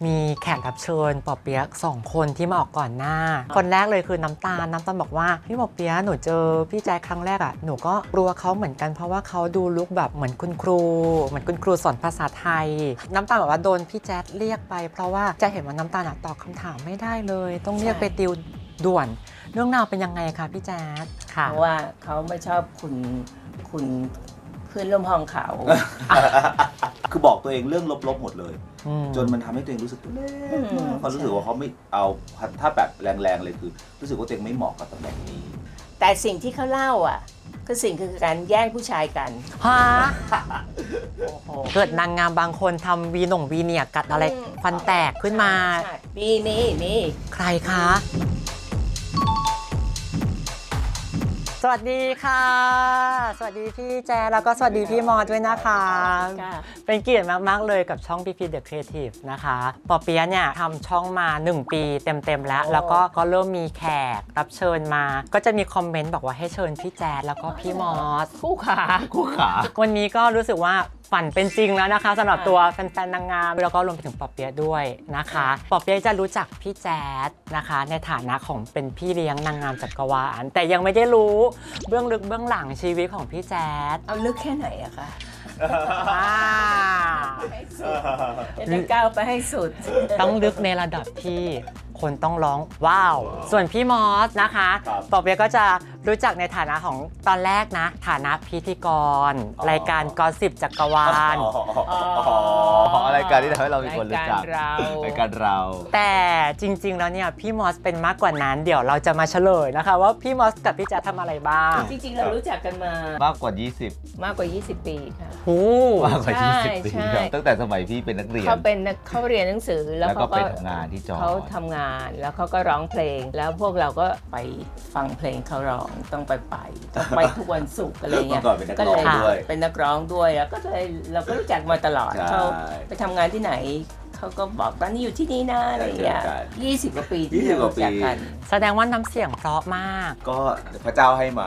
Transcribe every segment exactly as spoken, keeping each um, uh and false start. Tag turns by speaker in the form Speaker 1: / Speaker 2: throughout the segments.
Speaker 1: มีแขกรับเชิญปอเปี๊ยกสองคนที่มาออกก่อนหน้าคนแรกเลยคือน้ำตาลน้ำตาลบอกว่าพี่ปอเปี๊ยกหนูเจอพี่แจ๊คครั้งแรกอ่ะหนูก็กลัวเขาเหมือนกันเพราะว่าเขาดูลุคแบบเหมือนคุณครูเหมือนคุณครูสอนภาษาไทยน้ำตาลบอกว่าโดนพี่แจ๊คเรียกไปเพราะว่าจะเห็นว่าน้ำตาลตอบคำถามไม่ได้เลยต้องเรียกไปติวด่วนเรื่องราวเป็นยังไงคะพี่แจ๊คค่ะ
Speaker 2: เพราะว่าเขาไม่ชอบคุณคุณเพื่อนร่วมห้องเขา
Speaker 3: คือบอกตัวเองเรื่องลบๆหมดเลยจนมันทำให้ตัวเองรู้สึกเล็กมากเขารู้สึกว่าเขาไม่เอาถ้าแบบแรงๆเลยคือรู้สึกว่าตัวเองไม่เหมาะกับตำแหน่งนี้
Speaker 2: แต่สิ่งที่เขาเล่าอ่ะคือสิ่งคือการแย่งผู้ชายกัน
Speaker 1: ฮะเกิดนางงามบางคนทำวีหน่งวีเนียกัดอะไรฟันแตกขึ้นมา
Speaker 2: มีมีมี
Speaker 1: ใครคะสวัสดีค่ะสวัสดีพี่แจแล้วก็สวัสดีพี่มอด้วยนะคะเป็นเกียรติมากๆเลยกับช่อง พี พี The Creative นะคะปอเปี๊ยะเนี่ยทำช่องมาหนึ่งปีเต็มๆแล้วแล้วก็ก็เริ่มมีแขกรับเชิญมาก็จะมีคอมเมนต์บอกว่าให้เชิญพี่แจแล้วก็พี่มอส
Speaker 2: คู่ขา
Speaker 3: คู่ขา
Speaker 1: วันนี้ก็รู้สึกว่าฝันเป็นจริงแล้วนะคะสำหรับตัวแฟนๆนางงามแล้วก็รวมไปถึงปอเปี๊ยะด้วยนะคะปอเปี๊ยะจะรู้จักพี่แจ๊ดนะคะในฐานะของเป็นพี่เลี้ยงนางงามจักรวาลแต่ยังไม่ได้รู้เบื้องลึกเบื้องหลังชีวิตของพี่แจ๊ด
Speaker 2: เอาลึกแค่ไหนอะคะจะก้าวไปให้สุด
Speaker 1: ต้องลึกในระดับที่คนต้องร้องว้าวส่วนพี่มอสนะคะปอเปี๊ยะก็จะรู้จักในฐานะของตอนแรกนะฐานะพิธีกรรายการกอสิบจักรวาล
Speaker 3: อ๋อรายการที่ทำให้เรามีคนรู้จักรายการเรา
Speaker 1: แต่จริงๆแล้วเนี่ยพี่มอสเป็นมากกว่านั้นเดี๋ยวเราจะมาเฉลยนะคะว่าพี่มอสกับพี่แจ๊ดทำอะไรบ้าง
Speaker 2: จริงๆเรารู้จักกันมาม
Speaker 3: ากกว่ายี่สิบ
Speaker 2: มากกว่ายี่สิบปีค่ะ
Speaker 1: โอ้
Speaker 3: มากกว่ายี่สิบปีตั้งแต่สมัยพี่เป็นนักเรียน
Speaker 2: เขาเป็นเขาเรียนหนังสือ
Speaker 3: แล้วเขาก็ไปทำงานที่จอ
Speaker 2: เขาทำงานแล้วเขาก็ร้องเพลงแล้วพวกเราก็ไปฟังเพลงเขาร้องต้องไปไปต้องไปทุกวันศุกร์อะไรเงี้ย
Speaker 3: ก็เลย
Speaker 2: เป็นนักร้องด้วยแล้วก็เลยเราก็รู้จักมาตลอดเขาไปทำงานที่ไหนเขาก็บอกตอนนี้อยู่ที่นี่นะอะไรเงี้ยยี่สิบกว่าปีที่เรารู้จักกัน
Speaker 1: แสดงว่าน้ำเสียงเพราะมาก
Speaker 3: ก็พระเจ้าให้มา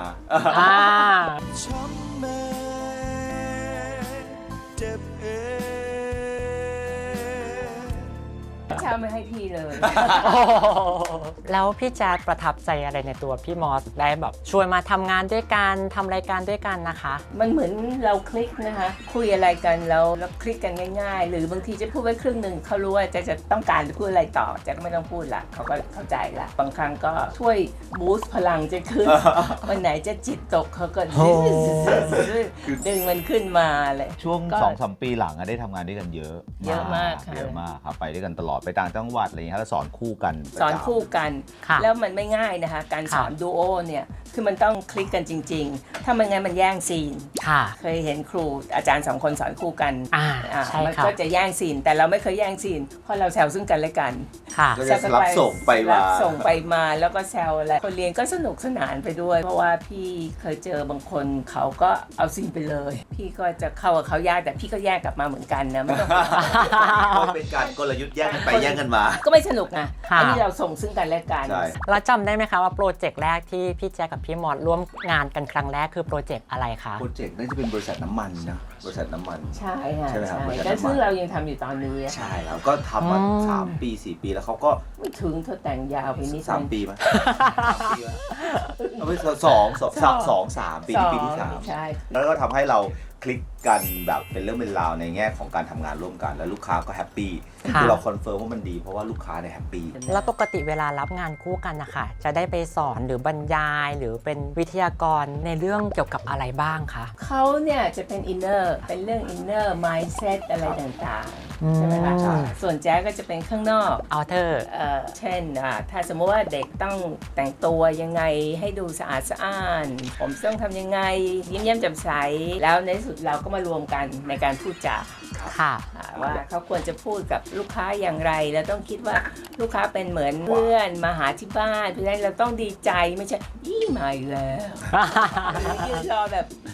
Speaker 2: เช้าไม่ให้พี่เลย
Speaker 1: แล้วพี่แจ๊ดประทับใจอะไรในตัวพี่มอสได้แบบชวนมาทำงานด้วยกันทำรายการด้วยกันนะคะ
Speaker 2: มันเหมือนเราคลิกนะคะคุยอะไรกันแล้วแล้วคลิกกันง่ายๆหรือบางทีจะพูดไว้ครึ่งหนึ่งเขารู้ว่าจะจะต้องการจะพูดอะไรต่อจะไม่ต้องพูดละเขาก็เข้าใจละบางครั้งก็ช่วยบูสต์พลังจะขึ้นวันไหนจะจิตตกเขาก็ดึงมันขึ้นมาเลย
Speaker 3: ช่วง สองสาม ปีหลังได้ทำงานด้วยกันเยอะ
Speaker 2: เยอะมากค่ะ
Speaker 3: เยอะมากครับไปด้วยกันตลอดไปต่างจังหวัดอะไรอย่างเงี้ยแล้วสอนคู่กัน
Speaker 2: สอนคู่กันแล้วมันไม่ง่ายนะคะการสอนดูโอเนี่ยคือมันต้องคลิกกันจริงๆถ้ามันงั้นมันแย่งซีนเคยเห็นครูอาจารย์สองคนสอนคู่กันมันก็จะแย่งซีนแต่เราไม่เคยแย่งซีนเพราะเราแซวซึ่งกันและกัน
Speaker 3: ก็จะรับส่งไปมา
Speaker 2: ส่งไปมาแล้วก็แซวอะไรคนเรียนก็สนุกสนานไปด้วยเพราะว่าพี่เคยเจอบางคนเขาก็เอาซีนไปเลยพี่ก็จะเข้ากับเขายากแต่พี่ก็แยกกลับมาเหมือนกันนะไม่ต้อง
Speaker 3: เป็นการกลยุทธ์แย่งกันไปแย่งกันมา
Speaker 2: ก็ไม่สนุกนะอันนี้เราส่งซึ่งกันและกัน
Speaker 1: แล้วจำได้ไหมคะว่าโปรเจกต์แรกที่พี่แจ๊คกับพี่มอสร่วมงานกันครั้งแรกคือโปรเจกต์อะไรคะ
Speaker 3: โปรเจกต์น่าจะเป็นบริษัทน้ำมันนะบริษัทน้ำมัน
Speaker 2: ใช่ค่ะใช่ไหมครับแต่ซึ่งเรายังทำอยู่ตอนนี้
Speaker 3: ใช่แล้วก็ทำมาสามปีสี่ปีแล้วเขาก็
Speaker 2: ไม่ถึงเธอแต่งยาวไปนิด
Speaker 3: สามปีมั้ยเอาไปสองสองสองสามปีปีที่สามแล้วก็ทำให้เราคลิกกันแบบเป็นเรื่องเป็นราวในแง่ของการทำงานร่วมกันแล้วลูกค้าก็แฮปปี้คือเราคอนเฟิร์มว่ามันดีเพราะว่าลูกค้าเนี่ยแฮปปี้
Speaker 1: แล้วปกติเวลารับงานคู่กันนะคะจะได้ไปสอนหรือบรรยายหรือเป็นวิทยากรในเรื่องเกี่ยวกับอะไรบ้างคะ
Speaker 2: เขาเนี่ยจะเป็นอินเนอร์เป็นเรื่องอินเนอร์มายด์เซตอะไรต่างๆใช่ไหมคะส่วนแจ๊ก็จะเป็นข้างนอก
Speaker 1: เอาเธอ
Speaker 2: เช่นถ้าสมมติว่าเด็กต้องแต่งตัวยังไงให้ดูสะอาดสะอ้านผมต้องทำยังไงยิ้มแย้มแจ่มใสแล้วในสุดเราก็มารวมกันในการพูดจา
Speaker 1: ค่ะ
Speaker 2: ว่าเขาควรจะพูดกับลูกค้าอย่างไรแล้วต้องคิดว่าลูกค้าเป็นเหมือนเพื่อนมาหาที่บ้านเพราะฉะนั้นเราต้องดีใจไม่ใช่ยี่มาอีกแล้วยืนรอแบบ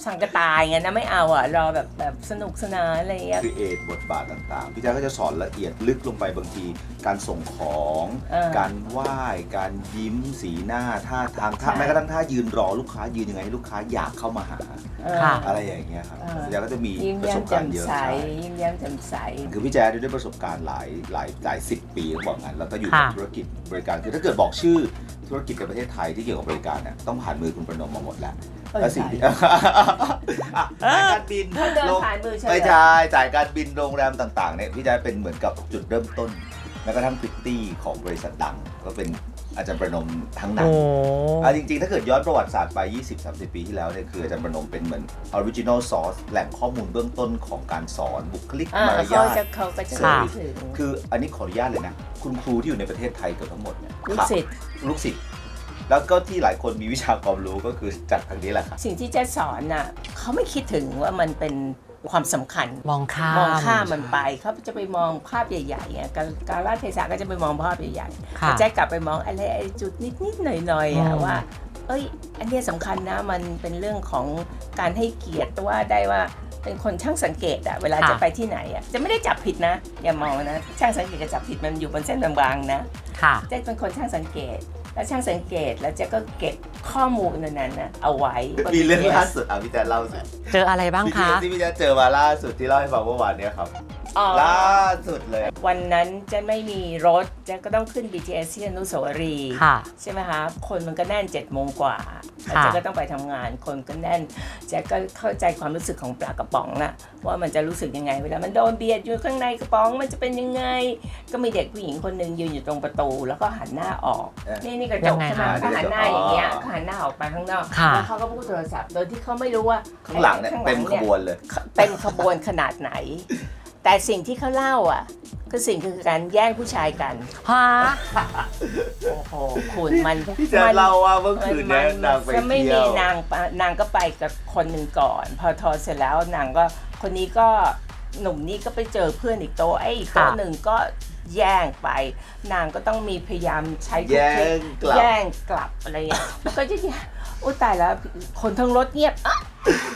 Speaker 2: สังกตายไงนะไม่เอาอ่ะรอแบบแบบสนุกสนานอะไรเงี้ย
Speaker 3: ครีเอทบทบาทต่างๆ พี่แจ๊คก็จะสอนละเอียดลึกลงไปบางที การส่งของ
Speaker 2: เออ
Speaker 3: การไหว้การยิ้มสีหน้าท่าทางท่า
Speaker 2: ใช่
Speaker 3: แม้กระทั่งท่ายืนรอลูกค้ายืนยังไงให้ลูกค้าอยากเข้ามาหา
Speaker 2: เออ
Speaker 1: ค่ะ
Speaker 3: อะไรอย่างเงี้ยครับ
Speaker 2: เออ
Speaker 3: พี่แจ๊คก็จะมี
Speaker 2: ยิ้ม
Speaker 3: ประ
Speaker 2: แย้
Speaker 3: ส
Speaker 2: ม
Speaker 3: บ
Speaker 2: แจ่
Speaker 3: การ
Speaker 2: ม
Speaker 3: ณ์เยอะ
Speaker 2: ใส
Speaker 3: ใช่
Speaker 2: ยิ้มแย้มแจ่มใส
Speaker 3: คือพี่แจ๊คด้วยประสบการณ์หลายหลายหลายสิบปีต้องบอกงั้นแล้วก็อยู่กับ
Speaker 1: ค่ะ
Speaker 3: ธุรกิจบริการคือถ้าเกิดบอกชื่อธุรกิจในประเทศไทยที่เกี่ยวกับบริการเนี่ยต้องผ่านมือคุณประนมมาหมดแล้ว
Speaker 2: เออ
Speaker 3: และสิ่งที่
Speaker 2: ใช่
Speaker 3: อ่ะจ่ายการบิน
Speaker 2: เขาเดิน
Speaker 3: ลง
Speaker 2: ผ่านมือใช่ไหม
Speaker 3: ไม่ใช่จ่ายการบินโรงแรมต่างๆเนี่ยพี่แจ๊คเป็นเหมือนกับจุดเริ่มต้นแม้กระทั่งพริตตี้ของบริษัทดังก็เป็นอาจารย์ประนมทั้งนั้
Speaker 1: โอ้
Speaker 3: นอ่ะจริงๆ ถ้าเกิดย้อนประวัติศาสตร์ไป ยี่สิบถึงสามสิบ ปีที่แล้วเนี่ยคืออาจารย์ประนมเป็นเหมือน original source แหล่งข้อมูลเบื้องต้นของการสอนบุคลิก
Speaker 2: อ่าม
Speaker 3: าร
Speaker 2: เขา
Speaker 3: ยา
Speaker 2: จะ
Speaker 3: ท
Speaker 2: เขาก็จะ
Speaker 3: ค่ะ
Speaker 2: ถึง
Speaker 3: คืออันนี้ขออนุญาตเลยนะ คุณครูที่อยู่ในประเทศไทยเกือบทั้งหมดเนี่ย
Speaker 2: ลูกศิษย์
Speaker 3: ลูกศิษย์แล้วก็ที่หลายคนมีวิชาความรู้ก็คือจากทางนี้แหละครับ
Speaker 2: สิ่งที่เจะสอนน่ะเขาไม่คิดถึงว่ามันเป็นความสำคัญ
Speaker 1: มองข้าม
Speaker 2: มองข้ามมันไปเขาจะไปมองภาพใหญ่ๆอ่ะการการลเทศะก็จะไปมองภาพใหญ่ๆ
Speaker 1: ค่ะ
Speaker 2: แต่แจ๊กกลับไปมองอะไรไอ้จุดนิดๆหน่อยๆอ่ะ
Speaker 1: อืม
Speaker 2: ว่า เอ้ย อันเนี้ยสำคัญนะมันเป็นเรื่องของการให้เกียรติว่าได้ว่าเป็นคนช่างสังเกตอะเวลาจะไปที่ไหนอะจะไม่ได้จับผิดนะ อย่ามองนะช่างสังเกตกับจับผิดมันอยู่บนเส้นบางๆนะ
Speaker 1: ค่ะ
Speaker 2: เจ๊เป็นคนช่างสังเกต แล้วช่างสังเกตแล้วเจ๊ก็เก็บข้อมูลนั้นๆนะเอาไว้
Speaker 3: มีเรื่องล่าสุดอ่ะพี่แจ๊คเล่าสิ
Speaker 1: เจออะไรบ้างคะ
Speaker 3: ที่พี่แจ๊คเจอมาล่าสุดที่เล่าให้ฟังเมื่อวานเนี้ยครับ
Speaker 2: อ๋อ
Speaker 3: ล่าสุดเลย
Speaker 2: วันนั้นเจะไม่มีรถเจ๊ก็ต้องขึ้น บี ที เอส ที่อนุสาวรีย์
Speaker 1: ค่ะ
Speaker 2: ใช่ไหมคะคนมันก็แน่นเจ็ดโมงกว่าแล้ว
Speaker 1: ค่ะ
Speaker 2: เจ๊ก็ต้องไปทำงานคนก็แน่นเจ๊ก็เข้าใจความรู้สึกของปลากระป๋องอะว่ามันจะรู้สึกยังไงเวลามันโดนเบียดอยู่ข้างในกระป๋องมันจะเป็นยังไง ก็มีเด็กผู้หญิงคนหนึ่งยืนอยู่ตรงประตูแล้วก็หันหน้าออก
Speaker 3: เอ๊ะ
Speaker 2: นี่นี่กระจ
Speaker 1: ยั
Speaker 2: ก
Speaker 1: งไง
Speaker 2: ใช่ไหม
Speaker 1: คะ
Speaker 2: เขาหันหน้าอย่างเงี้ย
Speaker 3: อ๋อ
Speaker 2: เขาหันหน้าออกไปข้างนอก
Speaker 1: ค่ะ
Speaker 2: แล้วเขาก็พูดโทรศัพท์โดยที่เขาไม่รู้ว่า
Speaker 3: ข้างหลังเนี่ย
Speaker 2: ข้างห
Speaker 3: เต็มขบวนเลย
Speaker 2: เต็มขบวนขนาดไหน แต่สิ่งที่เขาเล่าอ่ะคือสิ่งคือการแย่งผู้ชายกัน
Speaker 1: ฮะ
Speaker 2: โอ้โหคุณมัน
Speaker 3: พี่แจ๊คเล่าว่าเมื่อคืนเนี้ยนางไป
Speaker 2: จะไม่
Speaker 3: เที่
Speaker 2: มี
Speaker 3: ยว
Speaker 2: นางปะนางก็ไปกับคนหนึ่งก่อน พอทอเสร็จแล้วนางก็คนนี้ก็หนุ่มนี้ก็ไปเจอเพื่อนอีกโต๊ะไอ้อีกโต๊ะ
Speaker 1: ค่ะ
Speaker 2: หนึ่งก็แย่งไป นางก็ต้องมีพยายามใช้ทุก
Speaker 3: แย่
Speaker 2: เทค
Speaker 3: งกลับ
Speaker 2: แย่งกลับอะไรอย่างเงี้ยก็จะแย่งอุ้ยตายแล้วคนทั้งรถเงียบอ๊ะ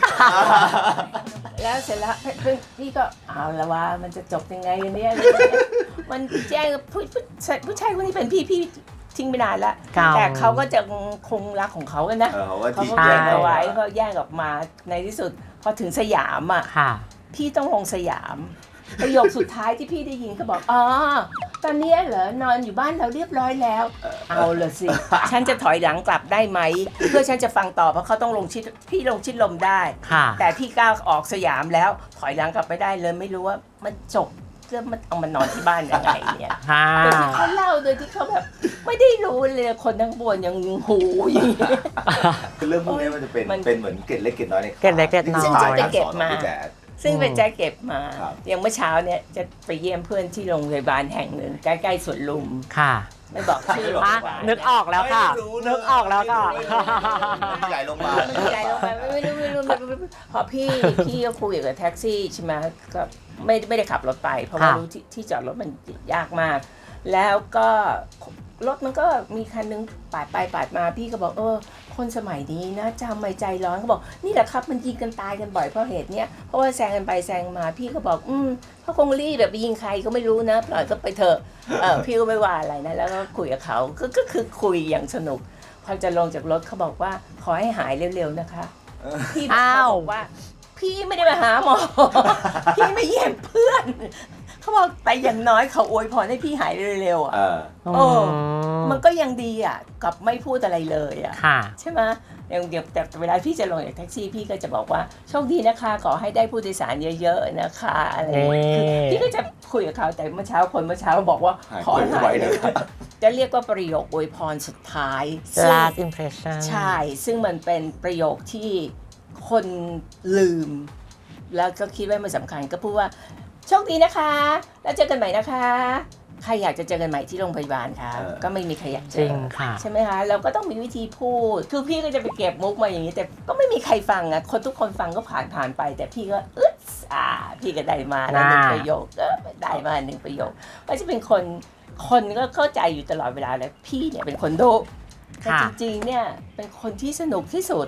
Speaker 2: แล้วเสร็จแล้วเพื่อนพี่ก็เอาละว่ามันจะจบยังไงเนี่ยมันแจ้งกับผู้ผู้ชายผู้ชายคนนี้เป็นพี่พี่ทิ้งไปนานละ
Speaker 1: เก่า
Speaker 2: แต่เขาก็จะคงรักของเขากันนะ
Speaker 3: เออเขาว่า
Speaker 2: เขา
Speaker 3: ที่
Speaker 2: ก็
Speaker 3: แย่
Speaker 2: แย่
Speaker 3: ง
Speaker 2: ง
Speaker 3: เอา
Speaker 2: เอา
Speaker 3: ไว้
Speaker 2: ไว้เขาแย่งออกมาในที่สุดพอถึงสยามอ่ะ
Speaker 1: ค่ะ
Speaker 2: พี่ต้องลงสยามประโยคสุดท้ายที่พี่ได้ยินเขาบอกอ๋อตอนนี้เหรอนอนอยู่บ้านเราเรียบร้อยแล้ว เอาละสิ ฉันจะถอยหลังกลับได้ไหมเพื่อฉันจะฟังต่อเพราะเขาต้องลงชิดพี่ลงชิดลมได้
Speaker 1: ค่ะ
Speaker 2: แต่พี่ก้าวออกสยามแล้วถอยหลังกลับไม่ได้เลยไม่รู้ว่ามันจบเรื่องมันเอามานอนที่บ้านยังไงเนี่ย
Speaker 1: ค่ะ
Speaker 2: โดยที่เขาเล่าโดยที่เขาแบบไม่ได้รู้เลยคนทั้งบวนยังหูอย่างเงี้ย
Speaker 3: คือเรื่องพวกนี้มันจะเป็น
Speaker 2: มัน
Speaker 3: เป็นเหมือนเกร็ดเล็กเกร็ดน้อยใน
Speaker 1: เกร็ดเล็กเกร็ดน้อย
Speaker 3: ซึ่งจะไปเก็บมา
Speaker 2: ซึ่งเป็นแจ็คเก็บมา
Speaker 3: ครับ
Speaker 2: อย่างเมื่อเช้าเนี่ยจะไปเยี่ยมเพื่อนที่โรงพยาบาลแห่งหนึ่งใกล้ๆสวนลุม
Speaker 1: ค่ะ
Speaker 2: ไม่บอกชื่อโรงพ
Speaker 1: อ่ะ
Speaker 2: ยาบาล
Speaker 1: นึกออกแล้วค่ะ
Speaker 3: ไม่รู้
Speaker 1: นึกออกแล้วค่ะ
Speaker 3: ใหญ่ลงมา
Speaker 2: ไม่ใจลงไปไม่รู้ไม่รู้ไม่รู้ไม่รู้พอพี่พี่ก็คุยกับแท็กซี่ใช่ไหมก็ไม่ไม่ได้ขับรถไป เพราะว่า
Speaker 1: ค่ะ
Speaker 2: รู้ที่ที่จอดรถมันยากมาก แล้วก็รถมันก็มีคันนึงปาดไปปาดมาพี่ก็บอกเออคนสมัยนี้นะจำไม่ใจร้อนเขาบอกนี่แหละครับมันยิงกันตายกันบ่อยเพราะเหตุเนี้ยเพราะว่าแซงกันไปแซงมาพี่ก็บอกอืมเขาคงรีบแบบไปยิงใครก็ไม่รู้นะปล่อยก็ไปเถอะเออพี่ก็ไม่ว่าอะไรนะแล้วก็คุยกับเขาก็ก็คือคุยอย่างสนุกพอจะลงจากรถเขาบอกว่าขอให้หายเร็วๆนะคะพี่บอก
Speaker 1: อ้าว
Speaker 2: เขาบอกว่า พี่ไม่ได้มาหาหมอ พี่มาเยี่ยมเพื่อนเขาบอกแต่อย่างน้อยเขาอวยพรให้พี่หายเร็วๆอ่ะ
Speaker 3: เออ
Speaker 2: โอ้ มันก็ยังดีอ่ะกับไม่พูดอะไรเลยอ่ะ
Speaker 1: ค่ะ
Speaker 2: ใช่ไหมอย่างเดี๋ยวแต่เวลาพี่จะลงจากแท็กซี่พี่ก็จะบอกว่าโชคดีนะคะขอให้ได้ผู้โดยสารเยอะๆนะคะอะไรอย่างเงี้ยคือพี่ก็จะคุยกับเขาแต่เมื่อเช้าคนเมื่อเช้าบอกว่า
Speaker 3: หาย
Speaker 2: ขอให้
Speaker 3: ป่วย
Speaker 2: หา
Speaker 3: ไว้
Speaker 2: ย
Speaker 3: นะ
Speaker 2: เลยจะเรียกว่าประโยคอวยพรสุดท้ายซึ่ง
Speaker 1: last impression
Speaker 2: ใช่ ซึ่งมันเป็นประโยคที่คนลืม แล้วก็คิดว่ามันสำคัญก็พูดว่าโชคดีนะคะ แล้วเจอกันใหม่นะคะ ใครอยากจะเจอกันใหม่ที่โรงพยาบาลคะ
Speaker 3: เออ
Speaker 2: ก็ไม่มีใครอยากเจ
Speaker 1: จริ
Speaker 2: อง
Speaker 1: ค่ะ
Speaker 2: ใช่ไหมคะ เราก็ต้องมีวิธีพูด คือพี่ก็จะไปเก็บมุกมาอย่างนี้ แต่ก็ไม่มีใครฟังอ่ะ คนทุกคนฟังก็ผ่านผ่านไป แต่พี่ก็อึ๊ดอ่า พี่ก็ได้มาแล้วหนึ่ง
Speaker 1: น่า
Speaker 2: ประโยคเออได้มาหนึ่งประโยคก็จะเป็นคน คนก็เข้าใจอยู่ตลอดเวลาเลยพี่เนี่ยเป็นคนดุแต่
Speaker 1: ค่ะ
Speaker 2: จริงๆ เนี่ยเป็นคนที่สนุกที่สุด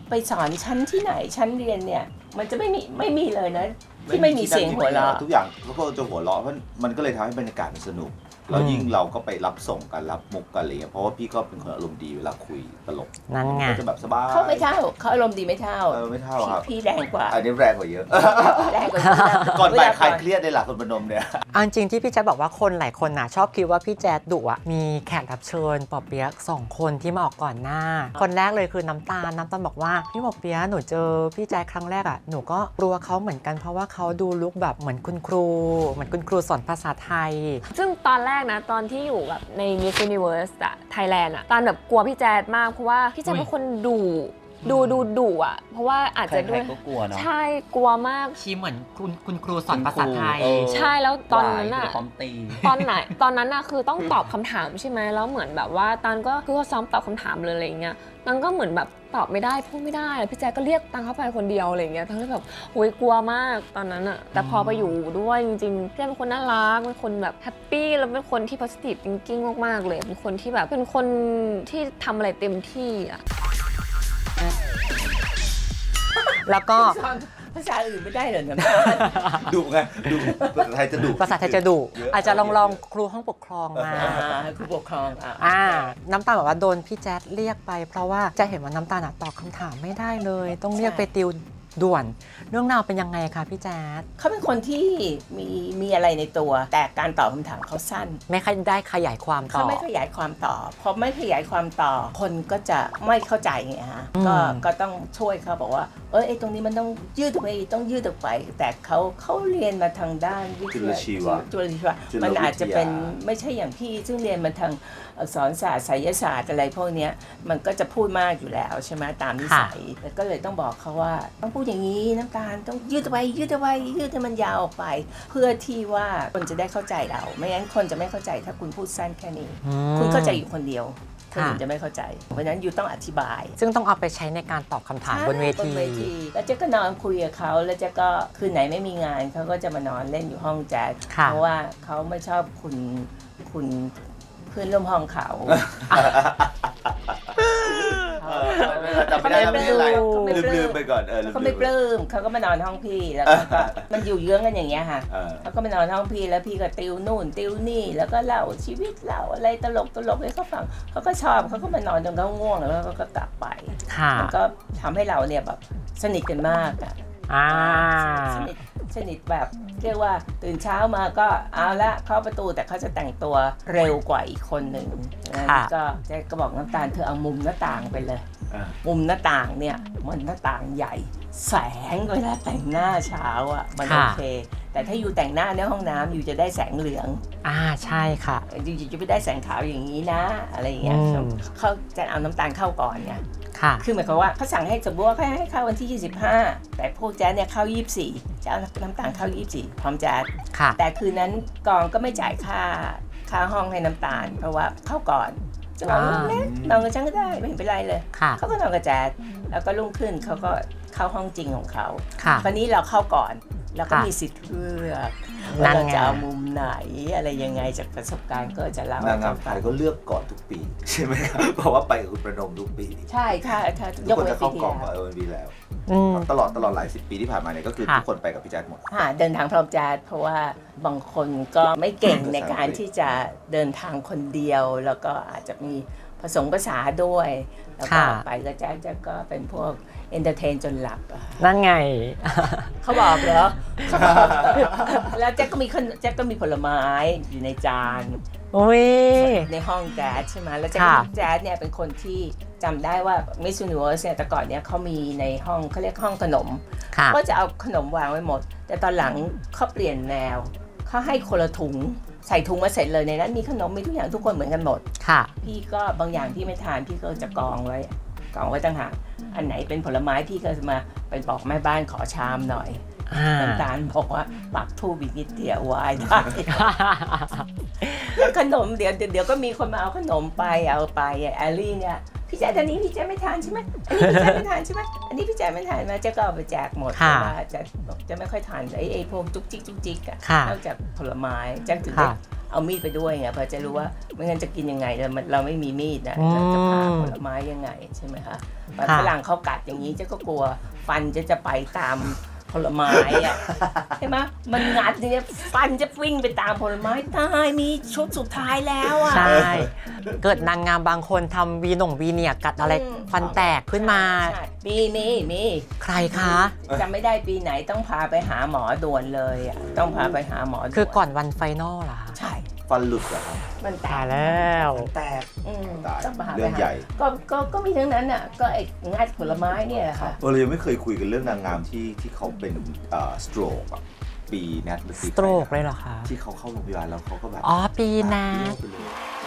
Speaker 2: ไปสอนชั้นที่ไหนชั้นเรียนเนี่ยมันจะไม่มีไม่มีเลยนะที่ไม่มีเสียงหัวเราะ
Speaker 3: ทุกอย่างทุกคนจะหัวเราะเพราะมันก็เลยทำให้บรรยากาศมันสนุกแล้วยิ่งเราก็ไปรับส่งกันรับมุกกันอะไรเงี้ยเพราะว่าพี่ก็เป็นคนอารมณ์ดีเวลาคุยตลก
Speaker 1: นั่นไง
Speaker 3: ก็จะแบบสบาย
Speaker 2: เขาไม่เท่าเขาอารมณ์ดีไม่เท่า
Speaker 3: เออไม่เท่าครับ
Speaker 2: พี่แรงกว่า
Speaker 3: อันนี้แรงกว่าเยอะ
Speaker 2: แรงกว่า
Speaker 3: ก่อนบ่ายใครเครียดในหลักคนพนมเนี่ย
Speaker 1: เอาจริงๆที่พี่แจ๊ดบอกว่าคนหลายคนน่ะชอบคิดว่าพี่แจ๊ดดุอ่ะมีแขกรับเชิญปอเปี๊ยกสองคนที่มาออกก่อนหน้า คนแรกเลยคือน้ำตาลน้ำตาลบอกว่าพี่ปอเปี๊ยกหนูเจอพี่แจ๊ดครั้งแรกอ่ะหนูก็กลัวเขาเหมือนกันเพราะว่าเขาดูลุคแบบเหมือนคุณครูเหมือนคุณครูสอนภาษาไทย
Speaker 4: ซึ่งตอนแรกนะตอนที่อยู่แบบใน Miss Universe อะ Thailand อะตอนแบบกลัวพี่แจ๊ดมากเพราะว่าพี่แจ๊ดเป็นคนดุดูดูดุอะเพราะว่าอาจจะด้วย
Speaker 5: ใครๆก็กลัวเนาะ
Speaker 4: ใช่กลัวมาก
Speaker 1: ชีเหมือนคุณคุณครูสอนภาษาไทย
Speaker 5: เออ
Speaker 4: ใช่แล้วตอนนั้นอะ
Speaker 5: พร้อมตี
Speaker 4: ตอนไหนตอนนั้นอะคือต้องตอบคำถามใช่ไหมแล้วเหมือนแบบว่าตันก็คือเขาซ้อมตอบคำถามเลยอะไรเงี้ยตันก็เหมือนแบบตอบไม่ได้พูดไม่ได้พี่แจ๊คก็เรียกตังเข้าไปคนเดียวอะไรเงี้ยตันก็แบบโหยกลัวมากตอนนั้นอะแต่พอไปอยู่ด้วยจริงๆพี่แจ๊คเป็นคนน่ารักเป็นคนแบบแฮปปี้แล้วเป็นคนที่ positive thinking มากๆเลยเป็นคนที่แบบเป็นคนที่ทำอะไรเต็มที่อะ
Speaker 1: แล้วก็
Speaker 2: สอนภาษาอื่นไม่ได้เหรอน้ำตาล
Speaker 3: ดุไงดุภาษาไทยจะดุ
Speaker 1: ภาษาไทยจะดุ
Speaker 3: เยอะ
Speaker 1: อาจจะลองลองครูห้องปกครองมา
Speaker 2: อ่าครูปกครองอ่ะ
Speaker 1: อ่าน้ำตาลบอกว่าโดนพี่แจ๊ดเรียกไป เพราะว่าจะเห็นว่าน้ำตาลอะตอบคำถามไม่ได้เลย ต้องเรียกไปติวด่วน เรื่องราวเป็นยังไงคะพี่แจ๊ด
Speaker 2: เขาเป็นคนที่มีมีอะไรในตัว แต่การตอบคำถามเขาสั้น
Speaker 1: ไม่ค่อยได้ขยายความต่
Speaker 2: เขา
Speaker 1: อ
Speaker 2: ไม่ขยายความต่อพอไม่ขยายความต่อคนก็จะไม่เข้าใจไงฮะ
Speaker 1: อืม
Speaker 2: ก็ก็ต้องช่วยเขาบอกว่าเออไอ้ตรงนี้มันต้องยืดออกไปต้องยืดออกไป แต่เขาเขาเรียนมาทางด้านวิท
Speaker 3: จุล
Speaker 2: ยา
Speaker 3: ชีวะ
Speaker 2: จุลชีวะ
Speaker 3: จุลวิทยามั
Speaker 2: มันอาจจะเป็นไม่ใช่อย่างพี่ซึ่งเรียนมาทางอักษรศาสตร์ไสยศาสตร์อะไรพวกเนี้ยมันก็จะพูดมากอยู่แล้วใช่ไหมตามนิสัยแต่ก็เลยต้องบอกเขาว่าต้องพูดอย่างนี้น้ำตาลต้องยืดเอาไว้ยืดเอาไว้ยืดให้มันยาวออกไป เพื่อที่ว่าคนจะได้เข้าใจเรา ไม่งั้นคนจะไม่เข้าใจถ้าคุณพูดสั้นแค่นี้
Speaker 1: อืม
Speaker 2: คุณเข้าใจอยู่คนเดียวคน
Speaker 1: ค่ะ
Speaker 2: อื่นจะไม่เข้าใจ เพราะฉะนั้นยูต้องอธิบาย
Speaker 1: ซึ่งต้องเอาไปใช้ในการตอบคำถามบนเวที
Speaker 2: บนเวทีแล้วเจ๊ก็นอนคุยกับเขาแล้วเจ๊ก็คืนไหนไม่มีงานเขาก็จะมานอนเล่นอยู่ห้องแจ๊ส
Speaker 1: ค่ะ
Speaker 2: เพราะว่าเขาไม่ชอบคุณคุณเพื่อนร่วมห้องเขา
Speaker 3: จำไม่ได้แล้วไม่เป็นไร
Speaker 2: เขาไม่ปลื้ม
Speaker 3: ลืมๆไปก่อนเออลืมๆ
Speaker 2: เขาไม่ปลื้มเขาก็มานอนห้องพี่แล้วเขาก็มันอยู่เยื้องกันอย่างเงี้ยค่ะ
Speaker 3: เออ
Speaker 2: เขาก็มานอนห้องพี่แล้วพี่ก็ติวนู่นติวนี่แล้วก็เล่าชีวิตเล่าอะไรตลกตลกให้เขาฟังเขาก็ชอบเขาก็มานอนจนเขาง่วงแล้วเขาก็กลับไป
Speaker 1: ค่ะ
Speaker 2: มันก็ทำให้เราเนี่ยแบบสนิทกันมากอะ
Speaker 1: อ่า
Speaker 2: สนิทสนิทแบบเรียกว่าตื่นเช้ามาก็เอาละเข้าประตูแต่เขาจะแต่งตัวเร็วกว่าอีกคนหนึ่งนะ
Speaker 1: ค่ะ
Speaker 2: ก็แจ๊กก็บอกน้ำตาลเธอเอามุมหน้าต่างไปเลย
Speaker 3: อ่ะ
Speaker 2: มุมหน้าต่างเนี่ยมันหน้าต่างใหญ่ แสงเวลาแต่งหน้าเช้าอ่ะมันโอเค แต่ถ้าอยู่แต่งหน้าในห้องน้ำอยู่จะได้แสงเหลือง
Speaker 1: อ่าใช่ค่ะ
Speaker 2: อยู่จะไม่ได้แสงขาวอย่างนี้นะ อะไรอย่างเงี้ย
Speaker 1: อืม
Speaker 2: เขาจะเอาน้ำตาลเข้าก่อนไง
Speaker 1: ค่ะ
Speaker 2: คือหมายความว่าเขาสั่งให้สมมติว่าเขาให้เข้าวันที่ ยี่สิบห้า แต่พวกแจ๊สเนี่ยเข้า ยี่สิบสี่ จะเอาน้ำตาลเข้า ยี่สิบสี่ พร้อมแจ๊ส
Speaker 1: ค่ะ
Speaker 2: แต่คืนนั้นกองก็ไม่จ่ายค่าค่าห้องให้น้ำตาล เพราะว่าเข้าก่อนจะนอน
Speaker 1: อ่า
Speaker 2: เล่นนอนกับฉันก็ได้ไม่เห็นเป็นไรเลย
Speaker 1: ค่ะ
Speaker 2: เขาก็นอนกับแจ๊สแล้วก็รุ่งขึ้นเขาก็เข้าห้องจริงของเขา
Speaker 1: ค่ะ
Speaker 2: คราวนี้เราเข้าก่อนแล้วก็
Speaker 1: ค่ะ
Speaker 2: มีสิทธิ์เลือก
Speaker 1: นั่
Speaker 2: ว่าน เรา
Speaker 1: ไง
Speaker 2: จะเอามุมไหนอะไรยังไงจากประสบการณ์ก็จะเล่าน
Speaker 3: างงามไทยก็เลือกก่อนทุกปี ใช่ไหมครับเพราะว่าไปกับคุณประนมทุกปี
Speaker 2: ใช่ค่ะถ้า
Speaker 3: ทุ
Speaker 2: ย
Speaker 3: ก
Speaker 2: ก
Speaker 3: คน
Speaker 2: เว้น
Speaker 3: จะ
Speaker 2: ปี
Speaker 3: เข้า
Speaker 2: ที่
Speaker 3: กอง
Speaker 2: แล้ว
Speaker 3: กับเออวีแล้ว
Speaker 1: อืม
Speaker 3: ตลอดตลอดหลายสิบปีที่ผ่านมาเนี่ยก็คือ
Speaker 1: ค่ะ
Speaker 3: ทุกคนไปกับพี่แจ๊ดหมด
Speaker 2: ค่ะเดินทางพร้อมแจ๊สเพราะว่าบางคนก็ไม่เก่งในการที่จะเดินทางคนเดียว แล้วก็อาจจะมีผสมภาษาด้วย แล้วก็
Speaker 1: ค่ะ
Speaker 2: ไปกับแจ๊สแจ๊สก็เป็นพวกเอนเตอร์เทนจนหลับอะ
Speaker 1: นั่นไง
Speaker 2: เขาบอกเหรอเขาบอกแล้วแจ๊กก็มีขนแจ๊กก็มีผลไม้อยู่ในจาน
Speaker 1: อุ้ย
Speaker 2: ในห้องแจ๊สใช่ไหมแล้วแจ๊ก
Speaker 1: ค่ะ
Speaker 2: แจ๊สเนี่ยเป็นคนที่จำได้ว่า Miss Universe เนี่ยแต่ก่อนเนี่ยเขามีในห้องเขาเรียกห้องขนม
Speaker 1: ค่ะ
Speaker 2: ก็จะเอาขนมวางไว้หมด แต่ตอนหลังเขาเปลี่ยนแนวเขาให้คนละถุงใส่ถุงมาเสร็จเลยในนั้นมีขนมมีทุกอย่างทุกคนเหมือนกันหมด
Speaker 1: ค่ะ
Speaker 2: พี่ก็บางอย่างพี่ไม่ทานพี่ก็จะกองไว้กองไว้ต่างหากอันไหนเป็นผลไม้พี่ก็จะมาไปบอกแม่บ้านขอชามหน่อย
Speaker 1: อ่า
Speaker 2: น้ำตาลบอกว่าปักทูบอีกนิดเดียววายได้ แล้วขนมเดี๋ยวเดี๋ยวก็มีคนมาเอาขนมไปเอาไปแอลลี่เนี่ยพี่แจ๊ดอันนี้พี่แจ๊ดไม่ทานใช่ไหมอันนี้พี่แจ๊ดไม่ทานใช่ไหมอันนี้พี่แจ๊ดไม่ทานมาเจ๊ก็เอาไปแจกหมดเพ
Speaker 1: ค่ะ
Speaker 2: ราะว่าจะจะไม่ค่อยทานไอ้ไอ้พวกจุกจิกจุกจิกอะ
Speaker 1: ค่ะ
Speaker 2: นอกจากผลไม้แจ๊กถึง
Speaker 1: ค่ะ
Speaker 2: ได้เอามีดไปด้วยไงเพื่อจะรู้ว่าไม่งั้นจะกินยังไงเราเราไม่มีมีดนะเราจะผ่าผลไม้ยังไงใช่ไหมคะฝรั่งเขากัดอย่างนี้เจ๊ก็กลัวฟันจะจะไปตามผลไม้อะใช่ไหมมันงัดเนี่ยฟันจะวิ่งไปตามผลไม้ตายมีชุดสุดท้ายแล้วอ่ะ
Speaker 1: ใช่เกิดนางงามบางคนทำวีหน่งวีเนียกัดอะไร
Speaker 2: อืม
Speaker 1: ฟันแตกขึ้นมา
Speaker 2: ใช่มีมีมี
Speaker 1: ใครคะ
Speaker 2: จำไม่ได้ปีไหนต้องพาไปหาหมอด่วนเลยอ่ะต้องพาไปหาหมอด่วน
Speaker 1: คือก่อนวันไฟนอลเหรอคะ
Speaker 2: ใช่
Speaker 3: ฟันหลุดเหรอครับ
Speaker 2: มันแต
Speaker 1: ตาย
Speaker 2: ก
Speaker 1: แล้ว
Speaker 3: แตก
Speaker 2: อืม
Speaker 3: ตาย
Speaker 2: ต้องพาไป
Speaker 3: เรื่อง
Speaker 2: หา
Speaker 3: ใหญ่
Speaker 2: ก็ก็ก็มีทั้งนั้นอ่ะก็ไอ้งัดผลไม้เนี่ยแหละค่ะ
Speaker 3: เออเรายังไม่เคยคุยกันเรื่องนางงามที่ที่เขาเป็นเอ่อสโตรกอะปีแนทหรือ
Speaker 1: ส
Speaker 3: ปี
Speaker 1: โตรกเลยเหรอคะ
Speaker 3: ที่เขาเข้าโรงพยาบาลแล้วเขาก็แบบ
Speaker 1: อ๋อ ปีนะ
Speaker 3: เบี้ยวไปเลย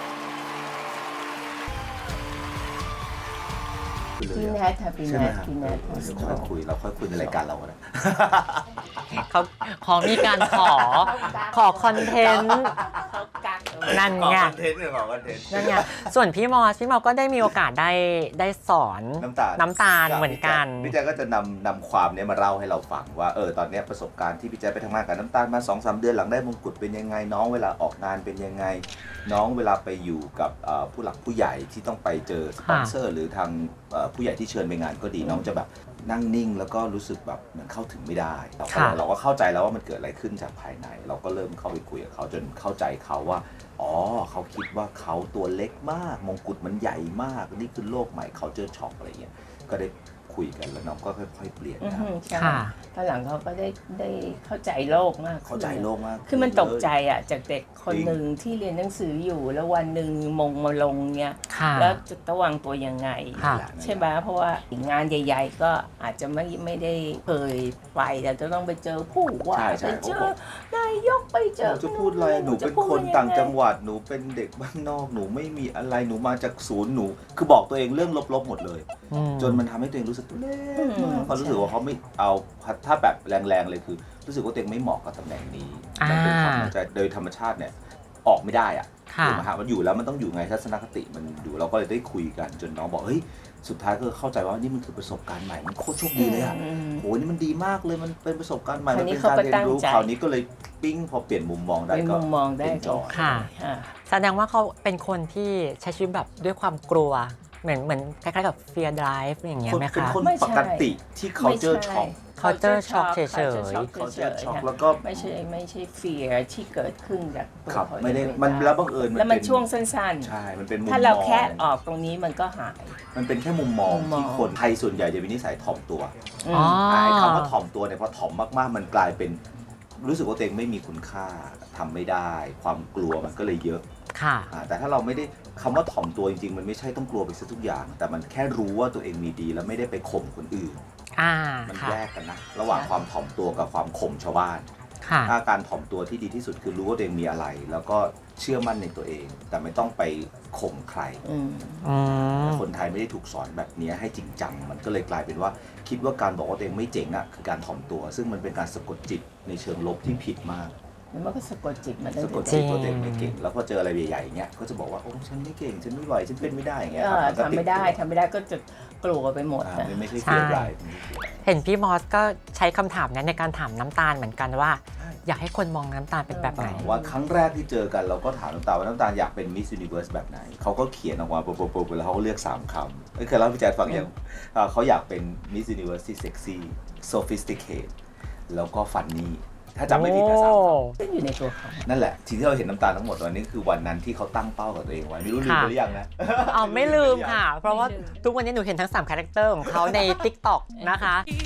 Speaker 2: พี่แนทค่ะพี่
Speaker 3: ใช่
Speaker 2: แน
Speaker 3: ไหม
Speaker 2: ท
Speaker 3: ครับ
Speaker 2: พี่แนท
Speaker 3: เดี๋ยวค่อยคุยเราค่อยคุยในรายการเราก็ได้
Speaker 1: เขาขอมีการขอ ขอคอนเทนต์
Speaker 2: เขากัก
Speaker 1: นั่น
Speaker 3: ขอ
Speaker 1: ไง
Speaker 3: คอนเทนต์เนี่ยขอคอนเทนต์
Speaker 1: นั่นไงส่วนพี่มอส พี่มอสก็ได้มีโอกาสได้ได้สอน
Speaker 3: น้ำตาล
Speaker 1: น้ำตาลเหมือนกัน
Speaker 3: พี่แจ๊คก็จะนำนำความเนี้ยมาเล่าให้เราฟังว่าเออตอนเนี้ยประสบการณ์ที่พี่แจ๊คไปทำงานกับน้ำตาลมาสองสามเดือนหลังได้มงกุฎเป็นยังไงน้องเวลาออกงานเป็นยังไง น้องเวลาไปอยู่กับเอ่อผู้หลักผู้ใหญ่ที่ต้องไปเจอสปอนเซอร์หรือทางเอ่อผู้ใหญ่ที่เชิญไปงานก็ดีน้องจะแบบนั่งนิ่งแล้วก็รู้สึกแบบเหมือนเข้าถึงไม่ได้เราก็
Speaker 1: ค่ะ
Speaker 3: เราก็เข้าใจแล้วว่ามันเกิดอะไรขึ้นจากภายใน เราก็เริ่มเข้าไปคุยกับเขาจนเข้าใจเขาว่าอ๋อเขาคิดว่าเขาตัวเล็กมากมงกุฎมันใหญ่มากนี่คือโลกใหม่เขาเจอช็อกอะไรเงี้ยก็ได้คุยกันแล้วน้องก็ค่อยๆเปลี่ยน
Speaker 2: อือ
Speaker 3: นะ
Speaker 2: ฮึใช่
Speaker 1: ค่ะ
Speaker 2: ตอนหลังเขาก็ได้ได้เข้าใจโลกมากขึ้น
Speaker 3: เข้าใจโลกมาก
Speaker 2: คือมันตกใจอ่ะจากเด็กคน
Speaker 3: จริง
Speaker 2: หนึ่งที่เรียนหนังสืออยู่แล้ววันหนึ่งมงมาลงเนี่ย
Speaker 1: ค่ะ
Speaker 2: แล้วจะต้องวางตัวยังไง
Speaker 1: ค่ะ
Speaker 2: ใช่ไหมเพราะว่างานใหญ่ๆก็อาจจะไม่ไม่ได้เคยไปแต่จะต้องไปเจอผู้ว่า
Speaker 3: ใช่ใช่
Speaker 2: ไปเจอนายกไปเจ
Speaker 3: ห
Speaker 2: อ
Speaker 3: นูจะพูดอะไรหนูเป็นคนต่างจังหวัดหนูเป็นเด็กบ้านนอกหนูไม่มีอะไรหนูมาจากศูนย์หนู คือบอกตัวเองเรื่องลบๆหมดเลย
Speaker 1: อืม
Speaker 3: จนมันทำให้ตัวเองรู้สึกเล็กมากเขารู้สึกว่าเขาไม่เอาถ้าแบบแรงๆเลยคือ รู้สึกว่าตัวเองไม่เหมาะกับตำแหน่งนี้
Speaker 1: อ่า
Speaker 3: มันเป็นความเข้าใจโดยธรรมชาติเนี่ยออกไม่ได้อะ
Speaker 1: ค่ะ
Speaker 3: ถูกไหมฮะมันอยู่แล้วมันต้องอยู่ไงทัศนคติมันอยู่เราก็เลยได้คุยกันจนน้องบอกเฮ้ยสุดท้ายก็เข้าใจว่านี่มันคือประสบการณ์ใหม่มันโคตรโชคดีเลยอะ
Speaker 2: อืม
Speaker 3: โหนี่มันดีมากเลยมันเป็นประสบการณ์ใหม่
Speaker 2: ค
Speaker 3: มั
Speaker 2: ราน วนี้
Speaker 3: เป็นการเรียนรู้
Speaker 2: เขาก็ตั้งใจ
Speaker 3: คราวนี้ก็เลยปิ้งพอเปลี่ยนมุมมองได้
Speaker 2: เป็น
Speaker 3: ก็
Speaker 2: มุมมองได้
Speaker 3: enjoy
Speaker 1: ค่ะ
Speaker 2: อ่า
Speaker 1: แสดงว่าเขาเป็นคนที่ใช้ชีวิตแบบด้วยความกลัว เหมือนเหมือนคล้ายๆกับ fear drive อย่างเงี้ย
Speaker 3: คน
Speaker 1: ไหม
Speaker 3: เป็น
Speaker 1: คะ
Speaker 3: คน
Speaker 2: ไม่ใช่
Speaker 3: ปกติที่ culture
Speaker 2: ไม่ใช่
Speaker 3: shock
Speaker 1: culture shock เฉยๆ
Speaker 3: culture shock
Speaker 2: ๆ
Speaker 3: แล้วก็
Speaker 2: ไม่ใช่ไม่ใช่เฟียที่เกิดขึ้นจากตัว
Speaker 3: ครับ
Speaker 2: เขา
Speaker 3: ไม่ได้
Speaker 2: เอง
Speaker 3: มันแล้วบังเอิญ
Speaker 2: แล้วมัน
Speaker 3: เป็
Speaker 2: ช่วงสั้น
Speaker 3: ใช่มันเป็นมุม
Speaker 2: ๆ ถ้าเรา
Speaker 3: มอง
Speaker 2: แค่ออกตรงนี้มันก็หาย
Speaker 3: มันเป็นแค่มุมมอง
Speaker 2: มุมมอง
Speaker 3: ที่คนไทยส่วนใหญ่จะมีนิสัยถ่อมตัว
Speaker 2: อืม
Speaker 1: อ๋อ
Speaker 3: ไอ้คำว่าถ่อมตัวเนี่ยพอถ่อมมากๆ มันกลายเป็นรู้สึกว่าตัวเองไม่มีคุณค่าทำไม่ได้ ความกลัวมันก็เลยเยอะ
Speaker 1: ค่ะ
Speaker 3: อ่าแต่ถ้าเราไม่ได้คำว่าถ่อมตัวจริงๆ มันไม่ใช่ต้องกลัวไปซะทุกอย่าง แต่มันแค่รู้ว่าตัวเองมีดีแล้วไม่ได้ไปข่มคนอื่น
Speaker 1: อ่า
Speaker 3: มัน
Speaker 1: ค่ะ
Speaker 3: แยกกันนะ ระหว่างความถ่อมตัวกับความข่มชาวบ้าน
Speaker 1: ค่ะ
Speaker 3: ถ้าการถ่อมตัวที่ดีที่สุดคือรู้ว่าตัวเองมีอะไร แล้วก็เชื่อมั่นในตัวเอง แต่ไม่ต้องไปข่มใคร
Speaker 2: อืม
Speaker 1: อืม
Speaker 3: คนไทยไม่ได้ถูกสอนแบบนี้ให้จริงจัง มันก็เลยกลายเป็นว่าคิดว่าการบอกว่าตัวเองไม่เจ๋งอ่ะคือการถ่อมตัว ซึ่งมันเป็นการสะกดจิตในเชิงลบที่ผิดมาก
Speaker 2: แล้วมันก็สะกดจิตมาได้
Speaker 3: สะกด
Speaker 2: เลย
Speaker 3: จิตว่าตัวเองไม่เก่ง แล้วพอเจออะไรใหญ่ๆอย่างเงี้ยก็จะบอกว่าโอ้ฉันไม่เก่งฉันไม่ไหวฉันเป็นไม่ได้อย่างเงี้ย
Speaker 2: เอ
Speaker 3: ครับ
Speaker 2: อ
Speaker 3: มันก็ติ
Speaker 2: ทำไม่ได้
Speaker 3: ตัว
Speaker 2: ทำไม่ได้ก็จะกลัวไปหมด
Speaker 3: อ่า
Speaker 2: นะ
Speaker 3: มันไม่ใช่
Speaker 1: ใช่
Speaker 3: เฟียร์ไร
Speaker 1: เห็นพี่มอสก็ใช้คำถามนั้นในการถามน้ำตาลเหมือนกันว่า อยากให้คนมองน้ำตาลเป็นแบบไหน
Speaker 3: ว่าครั้งแรกที่เจอกันเราก็ถามน้ำตาลว่าน้ำตาลอยากเป็นมิส s u นิเวิร์สแบบไหนเขาก็เขียนออกมาปุ๊บๆๆแล้วเขาก็เลือกสามคำเอ้ยเคยเล่าให้พี่แจ๊ดฟังยังอ่าเขาอยากเป็นมิส s u นิเวิร์สที่เซ็กซี่ sophisticated แล้วก็ฟันนี่ถ้าจำไม่ผิดนะสามคำ
Speaker 2: ก็อยู่ในตัวเขา
Speaker 3: นั่นแหละสิ่งที่เราเห็นน้ำตาลทั้งหมดวันนี้คือวันนั้นที่เขาตั้งเป้ากับตัวเองไว้ไม่รู้ลืม
Speaker 1: ค่ะ
Speaker 3: ไปหรือยังนะ
Speaker 1: เอาไม่ลืมค่ะ เพราะว่าทุกวันนี้หนูเห็นทั้งสามคาแรคเตอร์ของเขาใน TikTok นะคะ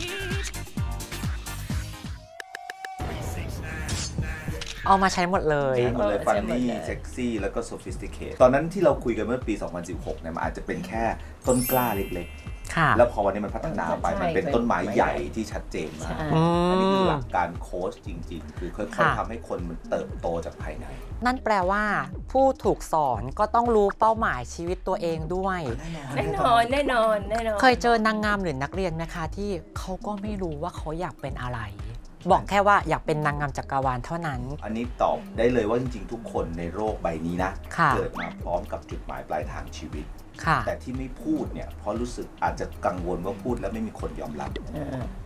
Speaker 1: เอามาใช้หมดเลย
Speaker 3: ใช่หมดเลยฟันนี่เซ็กซี่แล้วก็ sophisticated ตอนนั้นที่เราคุยกันเมื่อปี สองพันสิบหกเนี่ยมันอาจจะเป็นแค่ต้นกล้าเล็ก
Speaker 1: ค่ะ
Speaker 3: ๆ แล้วพอวันนี้มันพัฒนาไป
Speaker 2: ใช่
Speaker 3: มันเป็นต้นไม้ใหญ่ที่ชัดเจนมาก
Speaker 2: ใช่
Speaker 1: อื
Speaker 3: อันนี้คือ
Speaker 1: ม
Speaker 3: หลักการโค้ชจริง ๆ คือค่อย
Speaker 1: ค่ะ
Speaker 3: ๆทำให้คนมันเติบโตจากภายใน
Speaker 1: นั่นแปลว่า ผู้ถูกสอนก็ต้องรู้เป้าหมายชีวิตตัวเองด้วย
Speaker 2: แน่นอนแน่นอนแน่นอน
Speaker 1: เคยเจอนางงามหรือนักเรียนไหมคะที่เขาก็ไม่รู้ว่าเขาอยากเป็นอะไร บอกแค่ว่าอยากเป็นนางงามจักรวาลเท่านั้น
Speaker 3: อันนี้ตอบได้เลยว่าจริง ๆ ทุกคนในโลกใบนี้นะ
Speaker 1: ค่ะ
Speaker 3: เกิดมาพร้อมกับจุดหมายปลายทางชีวิต
Speaker 1: ค่ะ
Speaker 3: แต่ที่ไม่พูดเนี่ยเพราะรู้สึกอาจจะกังวลว่าพูดแล้วไม่มีคนยอมรับ
Speaker 2: เออ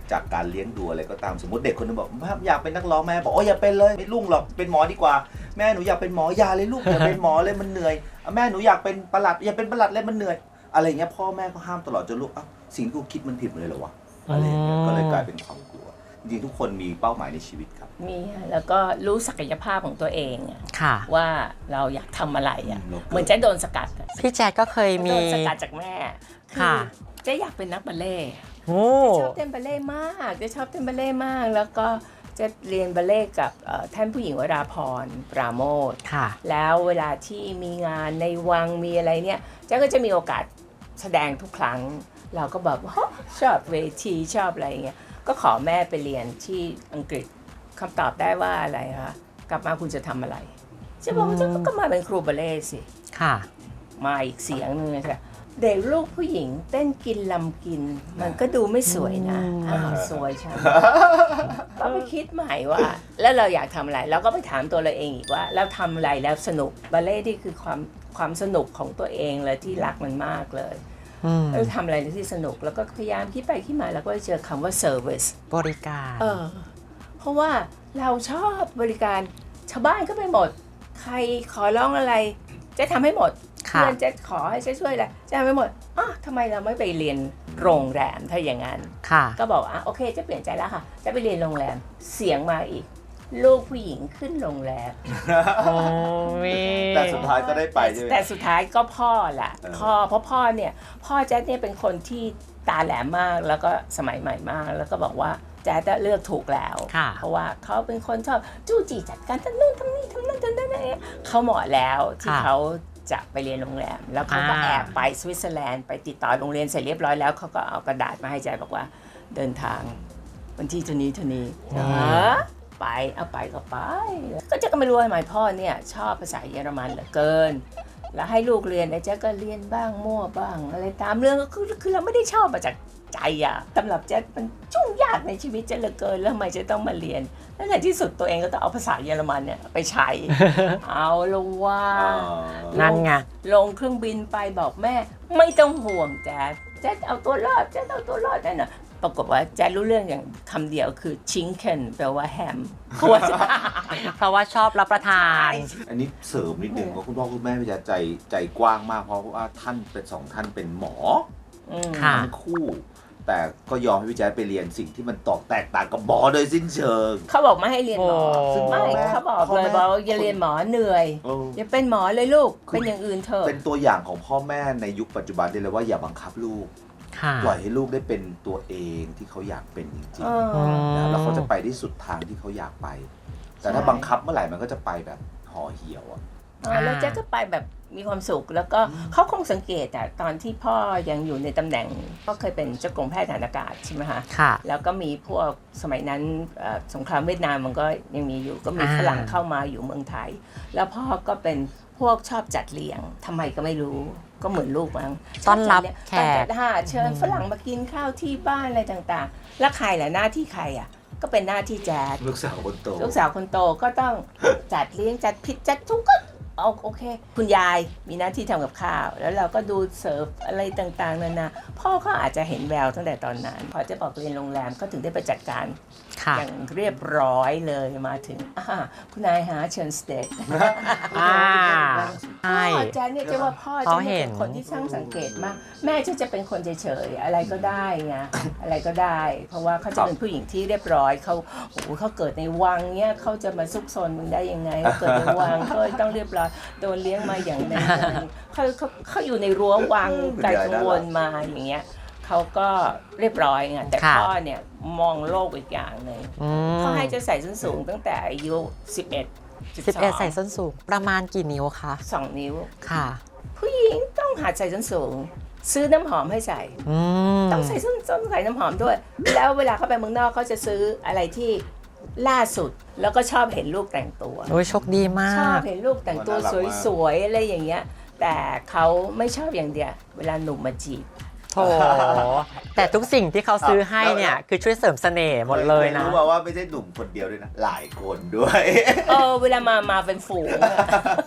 Speaker 3: จากการเลี้ยงดูอะไรก็ตามสมมติเด็กคนนึงบอกแม่อยากเป็นนักร้องแม่บอกโอ้อย่าเป็นเลยไม่รุ่งหรอกเป็นหมอดีกว่าแม่หนูอยากเป็นหมออย่าเลยลูกอย่าเป็นหมอเลยมันเหนื่อยแม่หนูอยากเป็นปลัดอย่าเป็นปลัดเลยมันเหนื่อยอะไรเงี้ยพ่อแม่ก็ห้ามตลอดจนลูกอ่ะสิ่งที่กูคิดมันผิดเลยเหรอวะอะไรเงี้ยก็เลยกลายเป็นความกลัวจริงๆทุกคนมีเป้าหมายในชีวิตครับ
Speaker 2: มีค่ะแล้วก็รู้ศักยภาพของตัวเองอะ
Speaker 1: ค่ะ
Speaker 2: ว่าเราอยากทำอะไรอ่ะ
Speaker 3: อืม
Speaker 2: เหมือนจะโดนสกัดอะ
Speaker 1: พี่แจ๊คก็เคยมี
Speaker 2: โดนสกัดจากแม่คื
Speaker 1: ค่ะ
Speaker 2: เจ๊อยากเป็นนักบัลเล่ต์
Speaker 1: โอ้
Speaker 2: ชอบเต้นบัลเล่ต์มากเจะชอบเต้นบัลเล่ต์มาก แล้วก็จะเรียนบัลเล่ต์กับเอ่อท่านผู้หญิงวราพรปราโมท
Speaker 1: ค่ะ
Speaker 2: แล้วเวลาที่มีงานในวังมีอะไรเนี่ยเจ๊ก็จะมีโอกาสแสดงทุกครั้ง เราก็แบบฮะชอบเวทีชอบอะไรเงี้ยก็ขอแม่ไปเรียนที่อังกฤษคำตอบได้ว่าอะไรคะกลับมาคุณจะทำอะไรเจ๊บอกว่าเจ๊ก็มาเป็นครูบัลเล่ต์สิ
Speaker 1: ค่ะ
Speaker 2: มาอีกเสียงหนึงเลยค่ะเด็กลูกผู้หญิงเต้นกินลำกิน มันก็ดูไม่สวยนะ
Speaker 1: อืม
Speaker 2: อ้าวสวยใช่ ก็ไปคิดใหม่ว่า แล้วเราอยากทำอะไรเราก็ไปถามตัวเราเองอีกว่าเราทำอะไรแล้วสนุกบัลเล่ต์นี่คือความความสนุกของตัวเองเลยที่รักมันมากเลย
Speaker 1: อืม
Speaker 2: เราทำอะไรที่สนุกแล้วก็พยายามคิดไปคิดมาแล้วก็เจอคำว่า service
Speaker 1: บริการ
Speaker 2: เออเพราะว่าเราชอบบริการชาวบ้านก็ไปหมด ใครขอร้องอะไรจะทำให้หมด
Speaker 1: ค่ะ
Speaker 2: เพื่อนจะขอให้ช่วยช่วยอะไรจะทำให้หมดอ้าวทำไมเราไม่ไปเรียนโรงแรมถ้าอย่างนั้น
Speaker 1: ค่ะ
Speaker 2: ก็บอกอ่ะโอเคจะเปลี่ยนใจแล้วค่ะ จะไปเรียนโรงแรมเสียงมาอีก ลูกผู้หญิงขึ้นโรงแรม
Speaker 1: โอ้ย
Speaker 3: แต่สุดท้ายก็ได้ไปใช่ไหม
Speaker 2: แต่สุดท้ายก็พ่อแหละ
Speaker 3: เออ
Speaker 2: พ่อเพราะพ่อเนี่ยพ่อแจ๊ดเนี่ยเป็นคนที่ตาแหลมมากแล้วก็สมัยใหม่มาก แล้วก็บอกว่าแจ๊ดเลือกถูกแล้ว
Speaker 1: ค่ะ
Speaker 2: เพราะว่าเขาเป็นคนชอบจู้จี้จัดการทำนู่นทำนี่ทำนั่นทำนั่นอะไรเขาเหมาะแล้วที่
Speaker 1: ค่ะ
Speaker 2: เขาจะไปเรียนโรงแรม แล้วเขาก็
Speaker 1: อ่า
Speaker 2: แอบไปสวิตเซอร์แลนด์ไปติดต่อโรงเรียนเสร็จเรียบร้อยแล้วเขาก็เอากระดาษมาให้แจ๊ดบอกว่าเดินทางวันที่เท่านี้เท่านี้
Speaker 1: อืม
Speaker 2: ฮะไปเอาไปก็ไป ก็เจ๊ก็ไม่รู้ทำไมพ่อเนี่ยชอบภาษาเยอรมันเหลือเกิน แล้วให้ลูกเรียนไอ้เจ๊ก็เรียนบ้างมั่วบ้าง อะไรตามเรื่องก็คือคือเราไม่ได้ชอบมาจากใจอะสำหรับเจ๊มันยุ่งยากในชีวิตเจ๊เหลือเกินแล้วทำไมเจ๊ต้องมาเรียนแล้วในที่สุดตัวเองก็ต้องเอาภาษาเยอรมันเนี่ยไปใช้ เอาละว่า
Speaker 3: อ๋อ
Speaker 1: นั่นไง
Speaker 2: ลงเครื่องบินไปบอกแม่ไม่ต้องห่วงแจ๊ดแจ๊ดเอาตัวรอดแจ๊ดเอาตัวรอดได้นะปรากฏว่าแจ๊ดรู้เรื่องอย่างคำเดียวคือชิงเคนแปลว่าแฮมเพราะว่า
Speaker 1: เพราะว่าชอบรับประทาน
Speaker 3: อันนี้เสริมนิดนึงว่าคุณพ่อคุณแม่พี่แจ๊คใจใจกว้างมากเพราะว่าท่านเป็นสองท่านเป็นหมอ
Speaker 2: อืม
Speaker 1: ค่ะ
Speaker 3: ทั้งคู่ แต่ก็ยอมให้พี่แจ๊คไปเรียนสิ่งที่มันตอกแตกต่างกับหมอโดยสิ้นเชิง
Speaker 2: เขาบอกไม่ให้เรียนหมอ
Speaker 1: โอ้
Speaker 2: ซึ่งไม่เขาบอกเลยบอกว่าอย่าเรียนหมอเหนื่อย
Speaker 3: เออ
Speaker 2: อย่าเป็นหมอเลยลูกเป็นอย่างอื่นเถอะ
Speaker 3: เป็นตัวอย่างของพ่อแม่ในยุคปัจจุบันได้เลยว่าอย่าบังคับลูก
Speaker 1: ค่ะ
Speaker 3: ปล่อยให้ลูกได้เป็นตัวเองที่เขาอยากเป็นจริง
Speaker 2: เออ
Speaker 3: ๆนะแล้วเขาจะไปที่สุดทางที่เขาอยากไป แต่ถ้า
Speaker 2: ใช่
Speaker 3: บังคับเมื่อไหร่มันก็จะไปแบบห่อเหี่ยวอะ
Speaker 2: เออแล้วแจ๊กก็ไปแบบมีความสุขแล้วก็เขาคงสังเกตอะตอนที่พ่อยังอยู่ในตำแหน่งก็เคยเป็นเจ้ากรมแพทย์ทหารอากาศใช่ไหมคะ
Speaker 1: ค่ะ
Speaker 2: แล้วก็มีพวกสมัยนั้นเอ่อสงครามเวียดนามมันก็ยังมีอยู่ก็มี
Speaker 1: อ่า
Speaker 2: ฝรั่งเข้ามาอยู่เมืองไทย แล้วพ่อก็เป็นพวกชอบจัดเลี้ยงทำไมก็ไม่รู้ก็เหมือนลูกมั้ง
Speaker 1: ต้อนรับ
Speaker 2: ชจัดเลี้ยง
Speaker 1: แข
Speaker 2: ต้อน
Speaker 1: ก
Speaker 2: จัดหาเชิญฝรั่งมากินข้าวที่บ้านอะไรต่างๆ แล้วใครล่ะหน้าที่ใครอ่ะก็เป็นหน้าที่แจ๊ด
Speaker 3: ลูกสาวคนโต
Speaker 2: ลูกสาวคนโตก็ต้อง จัดเลี้ยงจัดผิดจัดทุกก็เอาโอเค คุณยายมีหน้าที่ทำกับข้าว แล้วเราก็ดูเสิร์ฟอะไรต่างๆนานาพ่อก็อาจจะเห็นแววตั้งแต่ตอนนั้น พอจะบอกเรียนโรงแรมก็ถึงได้ไปจัดการ
Speaker 1: ค่ะ
Speaker 2: อย่างเรียบร้อยเลยมาถึงอ่าคุณนายหาเชิญสเต็ก
Speaker 1: อ่า ใช่
Speaker 2: พ่อแจ๊เนี่ยจะว่าพ่อ
Speaker 1: เขา
Speaker 2: จะ
Speaker 1: เห็
Speaker 2: เป็น นคนที่ช่างสังเกตมาก แม่จะจะเป็นคนเฉยๆอะไรก็ได้ไงอะไรก็ได้ เพราะว่าเขาจะเป็นผู้หญิงที่เรียบร้อยเขาโอ้โหเขาเกิดในวังเนี่ยเขาจะมาซุกซนมึงได้ยังไงเขาเกิดในวังก็ต้องเรียบร้อยโดนเลี้ยงมาอย่างนั้นอย่างนี้เขาเขาเขาอยู่ในรั้ววังไกลกังวลมาอย่างเงี้ยเขาก็เรียบร้อยไงแต่
Speaker 1: ค่ะ
Speaker 2: พ่อเนี่ยมองโลกอีกอย่างหนึ่ง
Speaker 1: อืม
Speaker 2: เขาให้จะใส่ส้นสูงตั้งแต่อายุสิบเอ็ด
Speaker 1: สิบเอ็ดใส่ส้นสูง ประมาณกี่นิ้วคะ
Speaker 2: สองนิ้ว
Speaker 1: ค่ะ
Speaker 2: ผู้หญิงต้องหัดใส่ส้นสูง ซื้อน้ำหอมให้ใส่
Speaker 1: อืม
Speaker 2: ต้องใส่ส้นส้นใส่น้ำหอมด้วย แล้วเวลาเขาไปเมืองนอกเขาจะซื้ออะไรที่ล่าสุด แล้วก็ชอบเห็นลูกแต่งตัว
Speaker 1: โอ้ยโชคดีมา
Speaker 2: ชอบ
Speaker 1: ก
Speaker 2: เห็นลูกแต่งตัวสวยๆอะไรอย่างเงี้ย แต่เขาไม่ชอบอย่างเดียว เวลาหนุ่มมาจีบ
Speaker 1: โถ แต่ทุกสิ่งที่เขาซื้อให้เนี่ย คือช่วยเสริมเสน่ห์หมดเลยนะ
Speaker 3: รู้มาว่าไม่ใช่หนุ่มคนเดียวด้วยนะ หลายคนด้วย
Speaker 2: เออเวลามามาเป็นฝูงอะ
Speaker 1: พ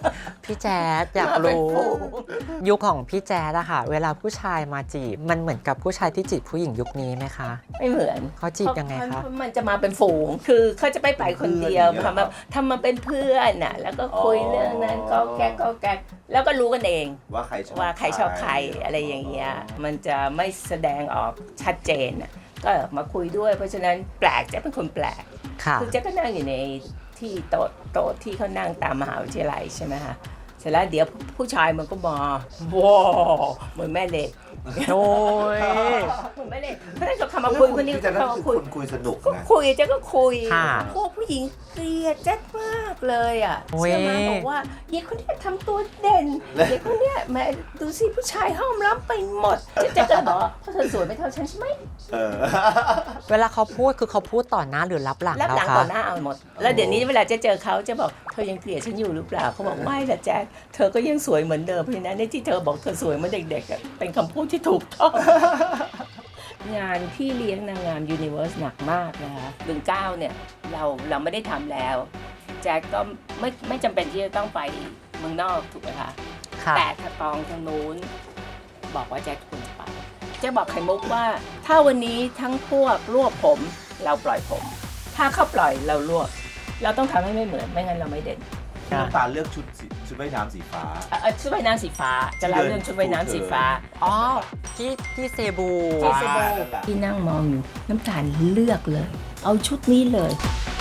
Speaker 1: พี่แจ๊ดอยาก
Speaker 2: มาเป็น
Speaker 1: รู้
Speaker 2: ฝูง
Speaker 1: ยุคของพี่แจ๊ดอะค่ะ เวลาผู้ชายมาจีบมันเหมือนกับผู้ชายที่จีบผู้หญิงยุคนี้ไหมคะ
Speaker 2: ไม่เหมือน
Speaker 1: เขาจีบยังไงคะ
Speaker 2: เพรามันจะมาเป็นฝูง คือเขาจะไม่ไปคนเดียว
Speaker 3: เพื่อนอย่างเงี้ย
Speaker 2: ทำมาทำมาเป็นเพื่อนน่ะ แล้วก็คุย
Speaker 3: อ๋อ
Speaker 2: เรื่องนั้นก็แก๊กก็แก๊กแล้วก็รู้กันเอง
Speaker 3: ว่าใครชอบ
Speaker 2: ว่าใครชอบใครอะไรอย่างเงี้ย มันจะไม่แสดงออกชัดเจนน่ะก็มาคุยด้วย เพราะฉะนั้นแปลกจะเป็นคนแปลก
Speaker 1: ค่ะ
Speaker 2: คือเจ๊ก็นั่งอยู่ในที่โต๊ะโต๊ะที่เขานั่งตามมหาวิทยาลัยใช่ไหมคะเสร็จแล้วเดี๋ยวผู้ชายมันก็มาว้าวเหมือนแม่เหล็ก
Speaker 1: โอ้ย
Speaker 2: เหมือนแม่เหล็กเพราะฉะนั้นเขาเข้ามาคุยคนนี้
Speaker 3: พี่แจ๊ค
Speaker 2: เขา
Speaker 3: ก็
Speaker 2: มา
Speaker 3: คือ
Speaker 2: คุย
Speaker 3: คนคุยสนุก
Speaker 2: ก็
Speaker 3: นะ
Speaker 2: คุยเจ๊ก็คุย
Speaker 1: ค่ะ
Speaker 2: พวกผู้หญิงเกลียดเจ๊มากเลยอ่ะ
Speaker 1: โอ้ย
Speaker 2: เชื่อไหมบอกว่าเด็กคนเนี้ยทำตัวเด่นเด็กคนเนี้ยแหม่ดูสิผู้ชายห้อมล้ำไปหมดเจ๊เจ๊ก็บอกว่าเพราะเธอสวยไม่เท่าฉันใช่ไหม
Speaker 3: เออ
Speaker 1: เวลาเขาพูดคือเขาพูดต่อหน้าหรือรับหลัง
Speaker 2: รับ
Speaker 1: เรา
Speaker 2: หลัง
Speaker 1: คะ
Speaker 2: ต่อหน้าเอาหมด แล้วเดี๋ยวนี้เวลาเจ๊เจอเขาจะบอกเธอยังเกลียดฉันอยู่หรือเปล่าเขาบอกไม่ละแจ๊คเธอก็ยังสวยเหมือนเดิมเพราะฉะนั้นในที่เธอบอกเธอสวยเหมือนเด็กๆอะเป็นคำพูดที่ถูกต้อง งานพี่เลี้ยงนางงามยูนิเวอร์สหนักมากนะคะหนึ่งเก้าเนี่ยเราเราไม่ได้ทำแล้ว แจ็คก็ไม่ไม่จำเป็นที่จะต้องไปเมืองนอกถูกไหมคะ
Speaker 1: ค่ะ
Speaker 2: แต่ถ้าตองทางนู้นบอกว่าแจ็คควรจะไปแจ็คบอกไข่มุกว่า ถ้าวันนี้ทั้งพวกรวบผมเราปล่อยผม ถ้าเขาปล่อยเรารวบเราต้องทำให้ไม่เหมือนไม่งั้นเราไม่เด่น
Speaker 3: พี่น้ำตาลเลือกชุดสีชุดว่ายน้ำสีฟ้า
Speaker 2: เอ่อเอ่อชุดว่ายน้ำสีฟ้าจะเล่าเรื่องชุดว่ายน้ำสีฟ้า
Speaker 1: อ๋อที่ที่เซบู
Speaker 2: ที่เซโบ
Speaker 3: นั่นแหละ
Speaker 2: ที่นั่งมองอยู่น้ำตาลเลือกเลย เอาชุดนี้เลย